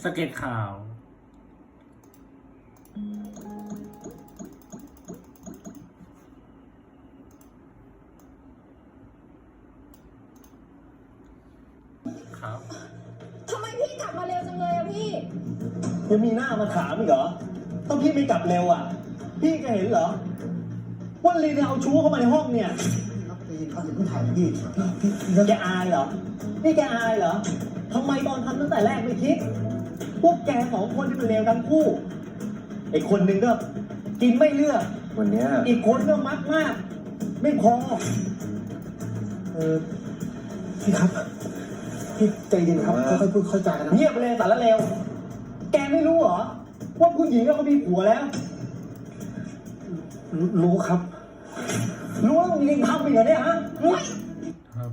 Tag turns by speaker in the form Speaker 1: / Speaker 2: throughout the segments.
Speaker 1: สเก็ตข่าวครับ
Speaker 2: ทำไมพี่กลับมาเร็วจังเลยอะพี่
Speaker 3: ยังมีหน้ามาถามอีกเหรอต้องพี่ไม่กลับเร็วอ่ะพี่ก็เห็นเหรอว่าลีนเอาชู้เข้ามาในห้องเนี่ย
Speaker 4: ครับไปเขาถึงต้องถ่ายพี่
Speaker 3: แกอายเหรอนี่แกอายเหรอทำไมตอนทำตั้งแต่แรกไม่คิดพวกแกสองคนที่เป็นเลวทั้งคู่ไอ้คนหนึ่งก็กินไม่เลือก
Speaker 4: วันเนี้ย
Speaker 3: อีกคนก็มักมาก ไม่พอ
Speaker 4: พี่ครับพี่ใจเย็นครับค่อยๆพูดเข้าใจนะ
Speaker 3: เงียบไปเลยสารเลวแกไม่รู้เหรอว่าผู้หญิงเขามีผัวแล้ว
Speaker 4: รู้ครับ
Speaker 3: รู้แล้วมึงยังทำอีกเหรอเนี่ยฮะ
Speaker 1: ครับ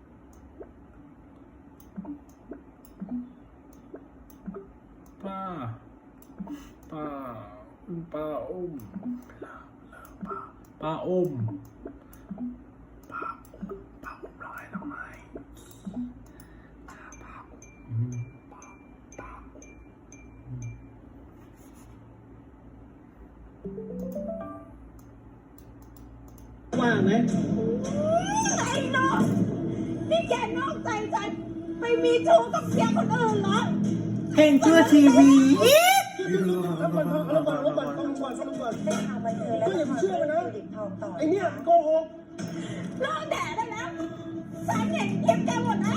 Speaker 1: ป้าอุ้มป้าอุ้มร้อยทำไมป้าอุ้ม
Speaker 3: ว่าไหม
Speaker 2: ไอ้น้องนี่แกนอกใจฉันไปมีชู้กับเสียคนอื่นเหรอ
Speaker 1: เพลงเชื่อทีวี
Speaker 3: แล้วก่อนได้ข่าวบันเทิงแล้วก็อย่าไปเชื่อมันนะไอเนี่ยโกหก
Speaker 2: เลิกแดดได้แล้วฉันเห็นคลิปแกหมดแล้ว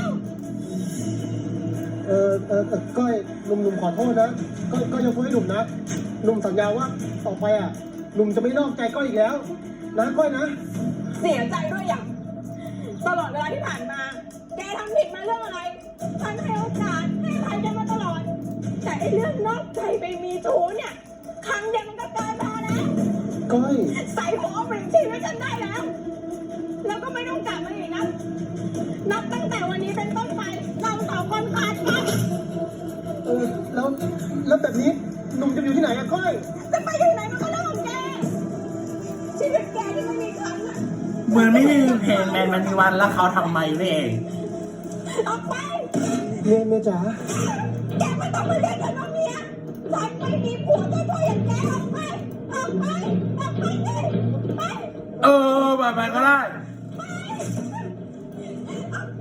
Speaker 4: ก้อยหนุ่มขอโทษนะก้อยยกโทษให้หนุ่มนะหนุ่มสัญญาว่าต่อไปอ่ะหนุ่มจะไม่นอกใจก้อยอีกแล้วนะก้อยนะ
Speaker 2: เสียใจด้วยอย่างตลอดเวลาที่ผ่านมา แกทำผิดมาเรื่องอะไร ฉันให้โอกาสให้อภัยแกมาตลอด แต่ไอ้เรื่องนอกใจไปมีชู้เนี่ย ครั้งเดียวมันก็เกินพอแล้ว
Speaker 4: ก้อย
Speaker 2: ใส่หัวเอาเปลี่ยนชีวิตฉันได้แล้ว แล้วก็ไม่ต้องกลับมาอีกนะ นับตั้งแต่วันนี้เป็นต้นไป เราสองคนขาดกัน
Speaker 4: แล้วแบบนี้หนุ่มจะอยู่ที่ไหนอะก้อย
Speaker 2: จะไปที่ไหนมันก็เรื่องของแก ชีวิตแกที่ไม่มีครั้งอะ
Speaker 1: เหมือนไม่มีเพลงแมนมันมีวันแล้วเขาทำไมนี่เอง
Speaker 2: ออกไป
Speaker 4: เมียจ๋า
Speaker 2: แกไม่ต้องมาเรียกกันว่าเมียฉันไม่มีผัวตัวอย่างแกออกไป ออกไป ออกไปเลยไป
Speaker 1: แบบนั้นก็ได้
Speaker 2: ออกไป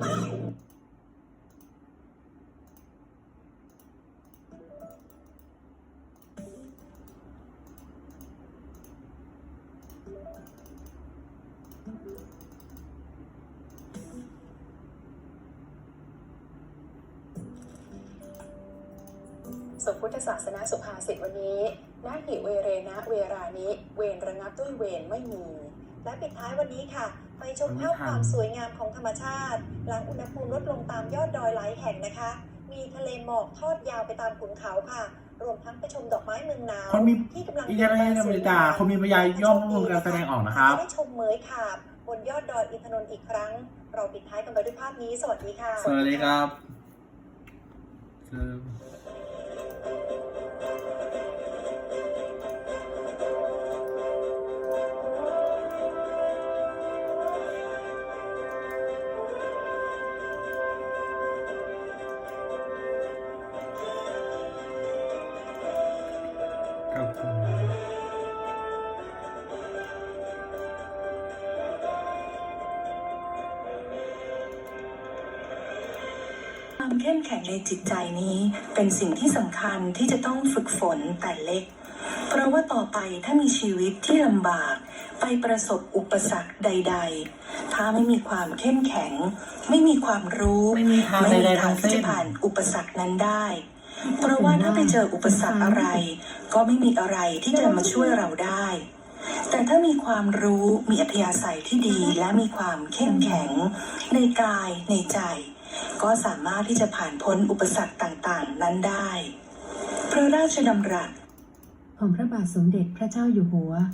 Speaker 5: สมพุทธศาสนาสุภาษิตวันนี้นาหิเวเรนะเวรานิเวรระงับด้วยเวรไม่มี และปิดท้ายวันนี้ค่ะ ไปชมภาพความสวยงามของธรรมชาติ หลังอุณหภูมิลดลงตามยอดดอยหลายแห่งนะคะ มีทะเลหมอกทอดยาวไปตามขุนเขาค่ะ รวมทั้งไปชมดอกไม้เมืองหนาว
Speaker 1: คนมี
Speaker 5: ที่กำลัง
Speaker 1: อิตาลีอเมริกาคนมีปัญญาย่อมร่วมการแสดงออกนะครับ
Speaker 5: ได้ชมเหมยขาบบนยอดดอยอินทนนท์อีกครั้ง เราปิดท้ายกันไปด้วยภาพนี้สวัสดีค่ะ
Speaker 1: สวัสดีครับครับผม
Speaker 6: ความเข้มแข็งในจิตใจนี้เป็นสิ่งที่สำคัญที่จะต้องฝึกฝนแต่เล็ก เพราะว่าต่อไปถ้ามีชีวิตที่ลำบากไปประสบอุปสรรคใดๆถ้าไม่มีความเข้มแข็ง ไม่มีความรู้
Speaker 1: ไม่มีทางใดๆทั้งสิ้น
Speaker 6: ที่จะผ่านอุปสรรคนั้นได้ เพราะว่าถ้าไปเจออุปสรรคอะไร ก็ไม่มีอะไรที่จะมาช่วยเราได้ แต่ถ้ามีความรู้มีอัธยาศัยที่ดีและมีความเข้มแข็งในกายในใจ ก็สามารถที่จะผ่านพ้นอุปสรรคต่างๆนั้นได้ พระราชดำรัส
Speaker 7: ของพระบาทสมเด็จพระเจ้าอยู่หัว